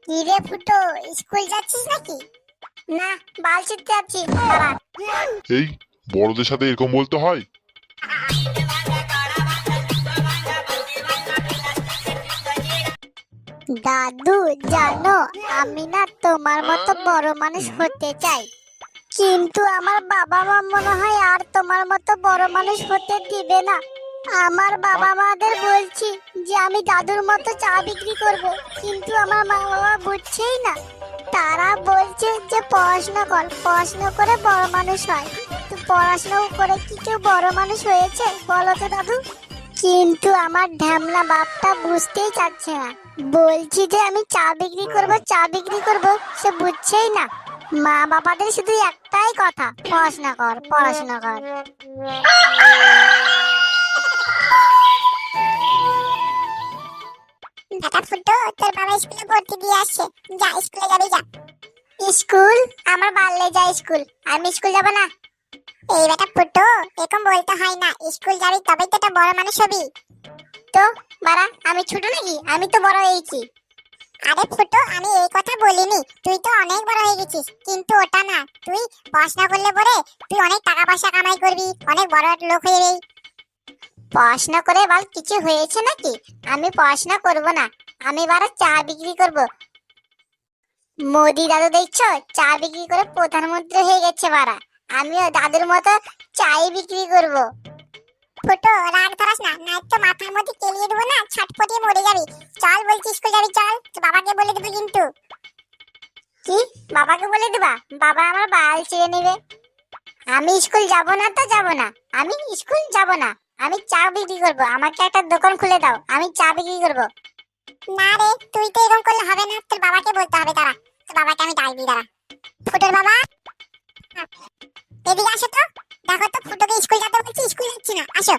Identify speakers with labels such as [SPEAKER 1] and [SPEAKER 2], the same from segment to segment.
[SPEAKER 1] কি রে ফুটো, স্কুল যাচ্ছিস নাকি? না, বাল ছিঁড়তে যাচ্ছি। দাঁড়া।
[SPEAKER 2] এই বড়দের সাথে এরকম বলতে হয়?
[SPEAKER 1] দাদু জানো, আমি না তোমার মতো বড় মানুষ হতে চাই, কিন্তু আমার বাবা মা মনে হয় আর তোমার মতো বড় মানুষ হতে দিবে না। আমার বাবা মাদের বলছি যে আমি দাদুর মতো চা বিক্রি করব, কিন্তু আমার মা বাবা বুঝছেই না। তারা বলছে যে পড়াশোনা কর, পড়াশোনা করে বড় মানুষ হয়। তো পড়াশোনা করে কি কেউ বড় মানুষ হয়েছে বলো তো দাদু? কিন্তু আমার ঢ্যামলা বাপটা বুঝতেই চাচ্ছে না। বলছি যে আমি চা বিক্রি করব, চা বিক্রি করব, সে বুঝছেই না। মা বাবাদের শুধু একটাই কথা, পড়াশোনা কর, পড়াশোনা কর। দাদা ফুটো, তোর বাবা স্কুলে ভর্তি দিয়ে আসছে, যা স্কুলে যাবি যা। স্কুল? আমার বাল্যে যায় স্কুল, আমি স্কুল যাব না। এই বেটা ফুটো, এরকম বলতে হয় না, স্কুল যাবি তবেই তো একটা বড় মানুষ হবি। তো বাড়া, আমি ছোট নাকি? আমি তো বড় হয়েছি। আরে ফুটো, আমি এই কথা বলিনি, তুই তো অনেক বড় হয়ে গেছিস, কিন্তু ওটা না। তুই পড়াশোনা করলে পরে তুই অনেক টাকা পয়সা কামাই করবি, অনেক বড় একটা লোক হয়ে যাবি। পড়াশোনা করে বল কিছু হয়েছে নাকি? আমি পড়াশোনা করব না, আমি বারা চা বিক্রি করব। মোদি দাদু দেখছো, চা বিক্রি করে প্রধানমন্ত্রী হয়ে গেছে বারা। আমিও দাদুর মতো চাই বিক্রি করব। ফুটো, রাগ ধরাস না, নাই তো মাথার মধ্যে কেলিয়ে দেবো না, ছটপটিয়ে মরে যাবি। চল বলছি, স্কুল যাবি চল, তো বাবাকে বলে দেবো কিন্তু। কি? বাবাকে বলে দিবা? বাবা আমার বাল ছিঁড়ে নেবে। আমি স্কুল যাব না তো যাব না, আমি স্কুল যাব না। আমি চা বিক্রি করব, আমাকে একটা দোকান খুলে দাও, আমি চা বিক্রি করব। না রে, তুই তো এরকম করলে হবে না, তোর বাবাকে বলতে হবে। দাঁড়া, তোর বাবাকে আমি ডাকবি, দাঁড়া। ফুটোর বাবা, এদিকে আসো তো। দেখো তো ফুটোকে স্কুল যেতে বলছি, স্কুল যাচ্ছি না, আসো।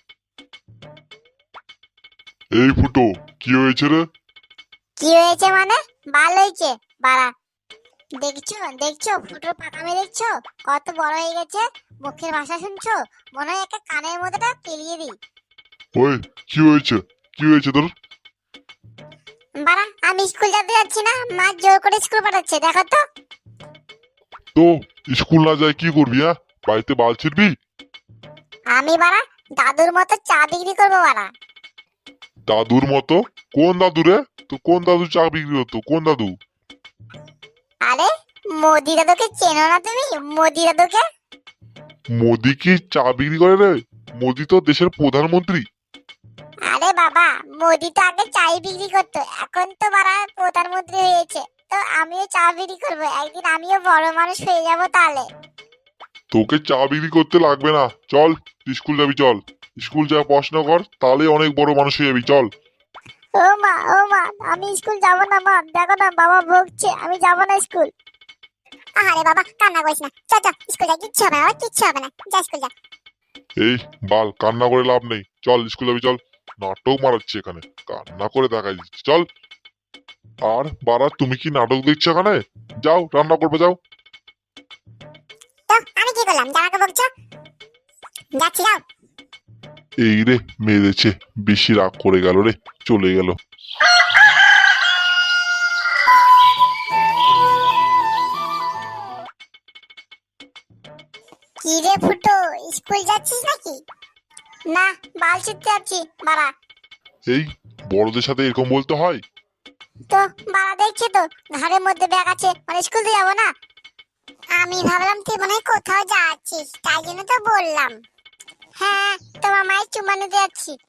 [SPEAKER 2] এই ফুটো, কি হয়েছে রে?
[SPEAKER 1] কি হয়েছে মানে? বাল হয়েছে বাড়া। দেখছো দেখছো ফুটোর পাকামি দেখছো, কত বড় হয়ে গেছে। মুখের ভাষা শুনছো? মনে হয় একটা কানের মধ্যেটা পেলিয়ে দিই।
[SPEAKER 2] ওই, কি হয়েছে? কি হয়েছে তোর?
[SPEAKER 1] বাড়া, আমি স্কুল যেতে যাচ্ছি না, মা জোর করে স্কুল পাঠাচ্ছে, দেখো তো।
[SPEAKER 2] তো স্কুল না যায় কি করবি? হ্যাঁ, বাড়িতে বাল ছিড়বি?
[SPEAKER 1] আমি বাড়া দাদুর মতো চা বিক্রি করবো বাড়া।
[SPEAKER 2] দাদুর মতো? কোন দাদু রে? তো কোন দাদু চা বিক্রি হতো? কোন দাদু?
[SPEAKER 1] আরে, মোদি দাদুকে চেনো না তুমি? মোদি দাদুকে?
[SPEAKER 2] মোদি কি চা বিক্রি করে রে? মোদি তো দেশের প্রধানমন্ত্রী।
[SPEAKER 1] আরে বাবা, মোদি তো আগে চাই বিক্রি করতো, এখন তো বাড়া প্রধানমন্ত্রী হয়েছে। তো আমিও চা বিক্রি করবো, একদিন আমিও বড় মানুষ হয়ে যাবো তাহলে।
[SPEAKER 2] তোকে চা বিক্রি করতে লাগবে না, চল স্কুল যাবি চল। স্কুল যা, পড়াশোনা কর, তাহলে অনেক বড় মানুষ হয়ে যাবি, চল।
[SPEAKER 1] ও মা, ও মা, আমি স্কুল যাব না মা, দেখো না বাবা বকছে, আমি যাব না স্কুল। আরে বাবা, কান্না করিস না, চল চল স্কুল যাই, কিচ্ছু হবে না, কিচ্ছু হবে না, যা স্কুল যা।
[SPEAKER 2] এই বাল, কান্না করে লাভ নেই, চল স্কুল যাবি চল। নাটক মারাচ্ছে এখানে, কান্না করে দেখাই দিচ্ছে, চল। আর বাড়া, তুমি কি নাটক দেখছো এখানে? যাও রান্না করবে, যাও।
[SPEAKER 1] তো আমি কি করলাম, যারাকে বকছো? যাচ্ছি, যাও।
[SPEAKER 2] এই রে, মেরেছে, বেশি রাগ করে গেল রে, চলে গেল।
[SPEAKER 1] কি রে ফুটো, স্কুল যাচ্ছিস নাকি? না, বাল ছিঁড়তে যাচ্ছি বাড়া।
[SPEAKER 2] এই বড়দের সাথে এরকম বলতে হয়?
[SPEAKER 1] তো বাড়া দেখছি তো, ঘাড়ের মধ্যে ব্যাগ আছে, মানে স্কুল তো যাবো না। আমি ভাবলাম তুই মনে হয় কোথাও যাচ্ছিস, তাই জন্য তো বললাম। হ্যাঁ, তোমার মায়ের চুমা নিতে যাচ্ছি।